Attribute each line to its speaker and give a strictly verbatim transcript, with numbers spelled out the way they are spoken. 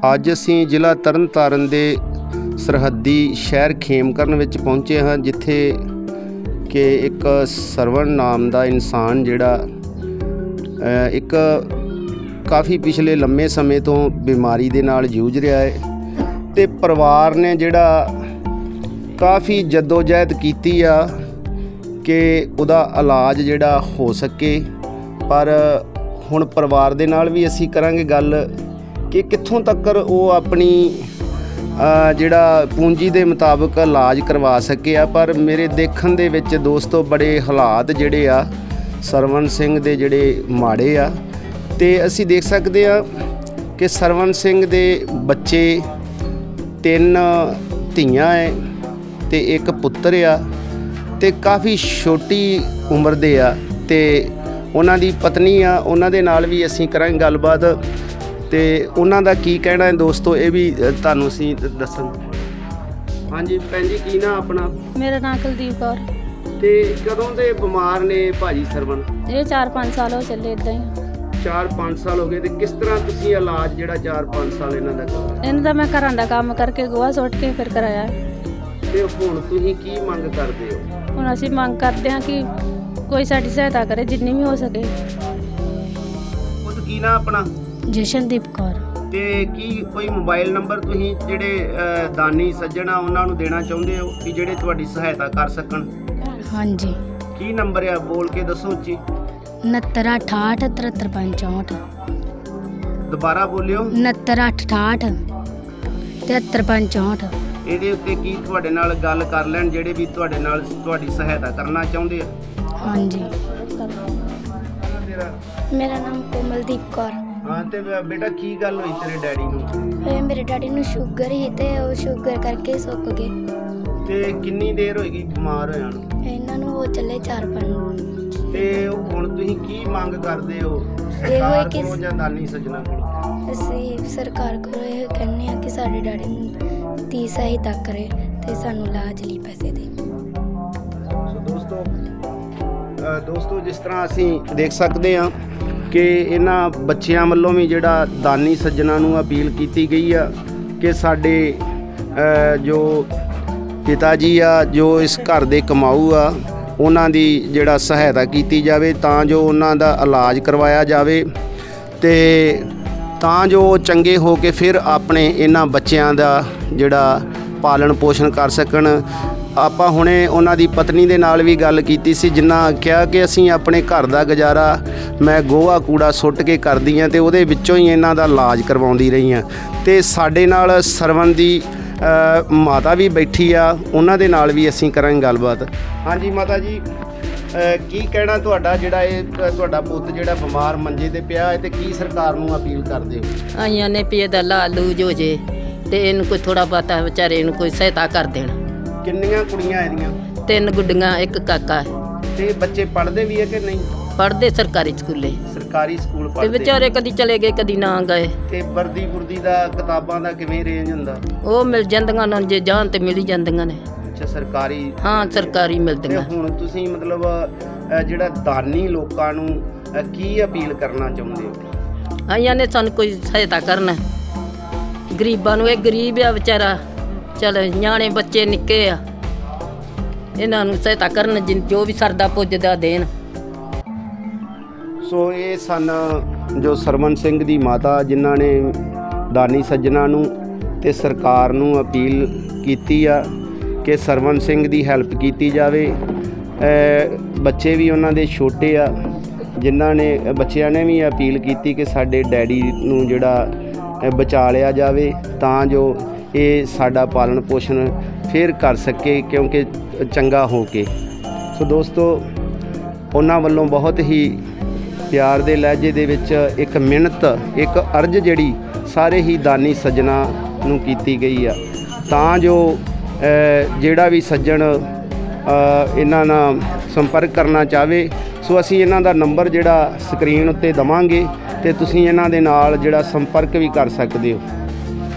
Speaker 1: ਅੱਜ ਅਸੀਂ ਜ਼ਿਲ੍ਹਾ ਤਰਨਤਾਰਨ ਦੇ ਸਰਹੱਦੀ ਸ਼ਹਿਰ ਖੇਮਕਰਨ ਵਿੱਚ ਪਹੁੰਚੇ ਹਾਂ, ਜਿੱਥੇ ਕਿ ਇੱਕ ਸਰਵਣ ਨਾਮ ਦਾ ਇਨਸਾਨ ਜਿਹੜਾ ਇੱਕ ਕਾਫੀ ਪਿਛਲੇ ਲੰਮੇ ਸਮੇਂ ਤੋਂ ਬਿਮਾਰੀ ਦੇ ਨਾਲ ਜੂਝ ਰਿਹਾ ਹੈ ਅਤੇ ਪਰਿਵਾਰ ਨੇ ਜਿਹੜਾ ਕਾਫੀ ਜੱਦੋਜਹਿਦ ਕੀਤੀ ਆ ਕਿ ਉਹਦਾ ਇਲਾਜ ਜਿਹੜਾ ਹੋ ਸਕੇ। ਪਰ ਹੁਣ ਪਰਿਵਾਰ ਦੇ ਨਾਲ ਵੀ ਅਸੀਂ ਕਰਾਂਗੇ ਗੱਲ ਕਿ ਕਿੱਥੋਂ ਤੱਕ ਉਹ ਆਪਣੀ ਜਿਹੜਾ ਪੂੰਜੀ ਦੇ ਮੁਤਾਬਕ ਇਲਾਜ ਕਰਵਾ ਸਕੇ ਆ। ਪਰ ਮੇਰੇ ਦੇਖਣ ਦੇ ਵਿੱਚ ਦੋਸਤੋ ਬੜੇ ਹਾਲਾਤ ਜਿਹੜੇ ਆ ਸਰਵਣ ਸਿੰਘ ਦੇ ਜਿਹੜੇ ਮਾੜੇ ਆ, ਅਤੇ ਅਸੀਂ ਦੇਖ ਸਕਦੇ ਆ ਕਿ ਸਰਵਣ ਸਿੰਘ ਦੇ ਬੱਚੇ ਤਿੰਨ ਧੀਆਂ ਹੈ ਅਤੇ ਇੱਕ ਪੁੱਤਰ ਆ, ਅਤੇ ਕਾਫੀ ਛੋਟੀ ਉਮਰ ਦੇ ਆ, ਅਤੇ ਉਹਨਾਂ ਦੀ ਪਤਨੀ ਆ, ਉਹਨਾਂ ਦੇ ਨਾਲ ਵੀ ਅਸੀਂ ਕਰਾਂਗੇ ਗੱਲਬਾਤ ਅਤੇ ਉਹਨਾਂ ਦਾ ਕੀ ਕਹਿਣਾ ਹੈ ਦੋਸਤੋ, ਇਹ ਵੀ ਤੁਹਾਨੂੰ ਅਸੀਂ ਦੱਸਣ। ਹਾਂਜੀ ਭੈਣ ਜੀ, ਕੀ ਨਾਂ ਆਪਣਾ?
Speaker 2: ਮੇਰਾ ਨਾਂ ਕੁਲਦੀਪ ਕੌਰ।
Speaker 1: ਅਤੇ ਕਦੋਂ ਦੇ ਬਿਮਾਰ ਨੇ ਭਾਜੀ ਸਰਵਣ?
Speaker 2: ਇਹ ਚਾਰ ਪੰਜ ਸਾਲ ਹੋ ਚੱਲੇ ਇੱਦਾਂ ਹੀ।
Speaker 1: ਚਾਰ ਪੰਜ ਸਾਲ ਹੋ ਗਏ। ਅਤੇ ਕਿਸ ਤਰ੍ਹਾਂ ਤੁਸੀਂ ਇਲਾਜ ਜਿਹੜਾ ਚਾਰ ਪੰਜ ਸਾਲ ਇਹਨਾਂ ਦਾ ਕਰਵਾਇਆ?
Speaker 2: ਇਹਨਾਂ ਦਾ ਮੈਂ ਘਰਾਂ ਦਾ ਕੰਮ ਕਰਕੇ ਗੋਹਾ ਸੁੱਟ ਕੇ ਫਿਰ ਕਰਾਇਆ।
Speaker 1: ਅਤੇ ਹੁਣ ਤੁਸੀਂ ਕੀ ਮੰਗ ਕਰਦੇ ਹੋ?
Speaker 2: ਹੁਣ ਅਸੀਂ ਮੰਗ ਕਰਦੇ ਹਾਂ ਕਿ ਕੋਈ ਸਾਡੀ ਸਹਾਇਤਾ ਕਰੇ ਜਿੰਨੀ ਵੀ ਹੋ ਸਕੇ।
Speaker 1: ਉਹ ਕੀ ਨਾਂ ਆਪਣਾ?
Speaker 2: ਜਸ਼ਨਦੀਪ ਕੌਰ।
Speaker 1: ਅਤੇ ਕੀ ਕੋਈ ਮੋਬਾਈਲ ਨੰਬਰ ਤੁਸੀਂ ਜਿਹੜੇ ਦਾਨੀ ਸੱਜਣ ਆ ਉਹਨਾਂ ਨੂੰ ਦੇਣਾ ਚਾਹੁੰਦੇ ਹੋ ਕਿ ਜਿਹੜੇ ਤੁਹਾਡੀ ਸਹਾਇਤਾ ਕਰ ਸਕਣ?
Speaker 2: ਹਾਂਜੀ।
Speaker 1: ਕੀ ਨੰਬਰ ਆ, ਬੋਲ ਕੇ ਦੱਸੋ ਉੱਚੀ।
Speaker 2: ਉਣੱਤਰ ਅਠਾਹਠ ਤ੍ਰਿਹੱਤਰ ਪੰਜ ਚੌਂਹਠ।
Speaker 1: ਦੁਬਾਰਾ ਬੋਲਿਓ।
Speaker 2: ਉਣੱਤਰ ਅੱਠ ਅਠਾਹਠ ਤ੍ਰਿਹੱਤਰ ਪੰਜ ਚੌਂਹਠ।
Speaker 1: ਇਹਦੇ ਉੱਤੇ ਕੀ ਤੁਹਾਡੇ ਨਾਲ ਗੱਲ ਕਰ ਲੈਣ ਜਿਹੜੇ ਵੀ ਤੁਹਾਡੇ ਨਾਲ ਤੁਹਾਡੀ ਸਹਾਇਤਾ ਕਰਨਾ ਚਾਹੁੰਦੇ ਆ?
Speaker 2: ਹਾਂਜੀ।
Speaker 3: ਮੇਰਾ ਨਾਮ ਕੋਮਲਦੀਪ ਕੌਰ।
Speaker 1: ਹਾਂ, ਤੇ ਬੇਟਾ ਕੀ ਗੱਲ ਹੋਈ ਤੇਰੇ ਡੈਡੀ ਨੂੰ?
Speaker 3: ਇਹ ਮੇਰੇ ਡੈਡੀ ਨੂੰ ਸ਼ੂਗਰ ਸੀ ਤੇ ਉਹ ਸ਼ੂਗਰ ਕਰਕੇ ਸੁੱਕ ਗਏ।
Speaker 1: ਤੇ ਕਿੰਨੀ ਦੇਰ ਹੋਏਗੀ ਬਿਮਾਰ ਹੋਇਆ ਨੂੰ?
Speaker 3: ਇਹਨਾਂ ਨੂੰ ਹੋ ਚੱਲੇ ਚਾਰ ਪੰਜ।
Speaker 1: ਤੇ ਹੁਣ ਤੁਸੀਂ ਕੀ ਮੰਗ ਕਰਦੇ ਹੋ ਸਰਕਾਰ ਕੋਲੋਂ ਜਾਂ ਦਾਨੀ ਸੱਜਣਾ ਕੋਲੋਂ?
Speaker 3: ਅਸੀਂ ਸਰਕਾਰ ਕੋਲੋਂ ਇਹ ਕਹਿੰਦੇ ਆ ਕਿ ਸਾਡੇ ਡੈਡੀ ਨੂੰ ਦੀ ਸਹਾਇਤਾ ਕਰੇ ਤੇ ਸਾਨੂੰ ਇਲਾਜ ਲਈ ਪੈਸੇ ਦੇ।
Speaker 1: ਸੋ ਦੋਸਤੋ ਦੋਸਤੋ ਜਿਸ ਤਰ੍ਹਾਂ ਅਸੀਂ ਦੇਖ ਸਕਦੇ ਹਾਂ ਕਿ ਇਹਨਾਂ ਬੱਚਿਆਂ ਵੱਲੋਂ ਵੀ ਜਿਹੜਾ ਦਾਨੀ ਸੱਜਣਾ ਨੂੰ ਅਪੀਲ ਕੀਤੀ ਗਈ ਆ ਕਿ ਸਾਡੇ ਜੋ ਪਿਤਾ ਜੀ ਆ, ਜੋ ਇਸ ਘਰ ਦੇ ਕਮਾਊ ਆ, ਉਹਨਾਂ ਦੀ ਜਿਹੜਾ ਸਹਾਇਤਾ ਕੀਤੀ ਜਾਵੇ ਤਾਂ ਜੋ ਉਹਨਾਂ ਦਾ ਇਲਾਜ ਕਰਵਾਇਆ ਜਾਵੇ ਅਤੇ ਤਾਂ ਜੋ ਉਹ ਚੰਗੇ ਹੋ ਕੇ ਫਿਰ ਆਪਣੇ ਇਹਨਾਂ ਬੱਚਿਆਂ ਦਾ ਜਿਹੜਾ ਪਾਲਣ ਪੋਸ਼ਣ ਕਰ ਸਕਣ। ਆਪਾਂ ਹੁਣੇ ਉਹਨਾਂ ਦੀ ਪਤਨੀ ਦੇ ਨਾਲ ਵੀ ਗੱਲ ਕੀਤੀ ਸੀ, ਜਿਨ੍ਹਾਂ ਕਿਹਾ ਕਿ ਅਸੀਂ ਆਪਣੇ ਘਰ ਦਾ ਗੁਜ਼ਾਰਾ ਮੈਂ ਗੋਹਾ ਕੂੜਾ ਸੁੱਟ ਕੇ ਕਰਦੀ ਹਾਂ ਅਤੇ ਉਹਦੇ ਵਿੱਚੋਂ ਹੀ ਇਹਨਾਂ ਦਾ ਇਲਾਜ ਕਰਵਾਉਂਦੀ ਰਹੀ ਹਾਂ। ਅਤੇ ਸਾਡੇ ਨਾਲ ਸਰਵਣ ਦੀ ਮਾਤਾ ਵੀ ਬੈਠੀ ਆ, ਉਹਨਾਂ ਦੇ ਨਾਲ ਵੀ ਅਸੀਂ ਕਰਾਂਗੇ ਗੱਲਬਾਤ। ਹਾਂਜੀ ਮਾਤਾ ਜੀ, ਕੀ ਕਹਿਣਾ ਤੁਹਾਡਾ? ਜਿਹੜਾ ਇਹ ਤੁਹਾਡਾ ਪੁੱਤ ਜਿਹੜਾ ਬਿਮਾਰ ਮੰਜੇ 'ਤੇ ਪਿਆ ਹੈ, ਅਤੇ ਕੀ ਸਰਕਾਰ ਨੂੰ ਅਪੀਲ ਕਰਦੇ ਹੋ?
Speaker 4: ਆਈਆਂ ਨੇ ਵੀ ਇਹਦਾ ਇਲਾਜ ਲੂਜ ਹੋ ਜੇ ਅਤੇ ਇਹਨੂੰ ਕੋਈ ਥੋੜ੍ਹਾ ਬਹੁਤਾ ਵਿਚਾਰੇ ਨੂੰ ਕੋਈ ਸਹਾਇਤਾ ਕਰ ਦੇਣ।
Speaker 1: ਕਿੰਨੀਆਂ ਕੁੜੀਆਂ ਇਹਦੀਆਂ?
Speaker 4: ਤਿੰਨ ਗੁੱਡੀਆਂ, ਇੱਕ ਕਾਕਾ ਹੈ।
Speaker 1: ਅਤੇ ਬੱਚੇ ਪੜ੍ਹਦੇ ਵੀ ਹੈ ਕਿ ਨਹੀਂ?
Speaker 4: ਪੜ੍ਹਦੇ ਸਰਕਾਰੀ ਸਕੂਲੇ।
Speaker 1: ਸਰਕਾਰੀ ਸਕੂਲ
Speaker 4: ਤੇ
Speaker 1: ਪੜ੍ਹਦੇ?
Speaker 4: ਵਿਚਾਰੇ ਕਦੀ ਚਲੇ ਗਏ ਕਦੀ ਨਾ ਗਏ।
Speaker 1: ਤੇ ਵਰਦੀ ਵੁਰਦੀ ਦਾ ਕਿਤਾਬਾਂ ਦਾ ਕਿਵੇਂ ਰੇਂਜ ਹੁੰਦਾ?
Speaker 4: ਉਹ ਮਿਲ ਜਾਂਦੀਆਂ ਨੇ, ਜੇ ਜਾਣ ਤੇ ਮਿਲ ਹੀ ਜਾਂਦੀਆਂ ਨੇ।
Speaker 1: ਅੱਛਾ, ਸਰਕਾਰੀ?
Speaker 4: ਹਾਂ, ਸਰਕਾਰੀ ਮਿਲਦੀਆਂ।
Speaker 1: ਹੁਣ ਤੁਸੀਂ ਮਤਲਬ ਜਿਹੜਾ ਦਾਨੀ ਲੋਕਾਂ ਨੂੰ ਕੀ ਅਪੀਲ ਕਰਨਾ ਚਾਹੁੰਦੇ ਹੋ?
Speaker 4: ਆਈਆਂ ਨੇ ਸਾਨੂੰ ਕੋਈ ਸਹਾਇਤਾ ਕਰਨਾ, ਗਰੀਬਾਂ ਨੂੰ। ਇਹ ਗਰੀਬ ਆ ਵਿਚਾਰਾ, ਚੱਲ ਨਿਆਣੇ ਬੱਚੇ ਨਿੱਕੇ ਆ, ਇਹਨਾਂ ਨੂੰ ਸਹਾਇਤਾ ਕਰਨ ਜੋ ਵੀ ਸਰਦਾ ਪੁੱਜਦਾ ਦੇਣ।
Speaker 1: ਸੋ ਇਹ ਸਨ ਜੋ ਸਰਵਣ ਸਿੰਘ ਦੀ ਮਾਤਾ, ਜਿਨ੍ਹਾਂ ਨੇ ਦਾਨੀ ਸੱਜਣਾ ਨੂੰ ਤੇ ਸਰਕਾਰ ਨੂੰ ਅਪੀਲ ਕੀਤੀ ਆ ਕਿ ਸਰਵਣ ਸਿੰਘ ਦੀ ਹੈਲਪ ਕੀਤੀ ਜਾਵੇ। ਬੱਚੇ ਵੀ ਉਹਨਾਂ ਦੇ ਛੋਟੇ ਆ, ਜਿਨ੍ਹਾਂ ਨੇ ਬੱਚਿਆਂ ਨੇ ਵੀ ਅਪੀਲ ਕੀਤੀ ਕਿ ਸਾਡੇ ਡੈਡੀ ਨੂੰ ਜਿਹੜਾ ਬਚਾ ਲਿਆ ਜਾਵੇ ਤਾਂ ਜੋ ਇਹ ਸਾਡਾ ਪਾਲਣ ਪੋਸ਼ਣ ਫਿਰ ਕਰ ਸਕੇ, ਕਿਉਂਕਿ ਚੰਗਾ ਹੋ ਕੇ। ਸੋ ਦੋਸਤੋ, ਉਹਨਾਂ ਵੱਲੋਂ ਬਹੁਤ ਹੀ ਪਿਆਰ ਦੇ ਲਹਿਜੇ ਦੇ ਵਿੱਚ ਇੱਕ ਮਿਹਨਤ, ਇੱਕ ਅਰਜ਼ ਜਿਹੜੀ ਸਾਰੇ ਹੀ ਦਾਨੀ ਸੱਜਣਾ ਨੂੰ ਕੀਤੀ ਗਈ ਆ ਤਾਂ ਜੋ ਜਿਹੜਾ ਵੀ ਸੱਜਣ ਇਹਨਾਂ ਨਾਲ ਸੰਪਰਕ ਕਰਨਾ ਚਾਹਵੇ, ਸੋ ਅਸੀਂ ਇਹਨਾਂ ਦਾ ਨੰਬਰ ਜਿਹੜਾ ਸਕਰੀਨ ਉੱਤੇ ਦੇਵਾਂਗੇ ਅਤੇ ਤੁਸੀਂ ਇਹਨਾਂ ਦੇ ਨਾਲ ਜਿਹੜਾ ਸੰਪਰਕ ਵੀ ਕਰ ਸਕਦੇ ਹੋ।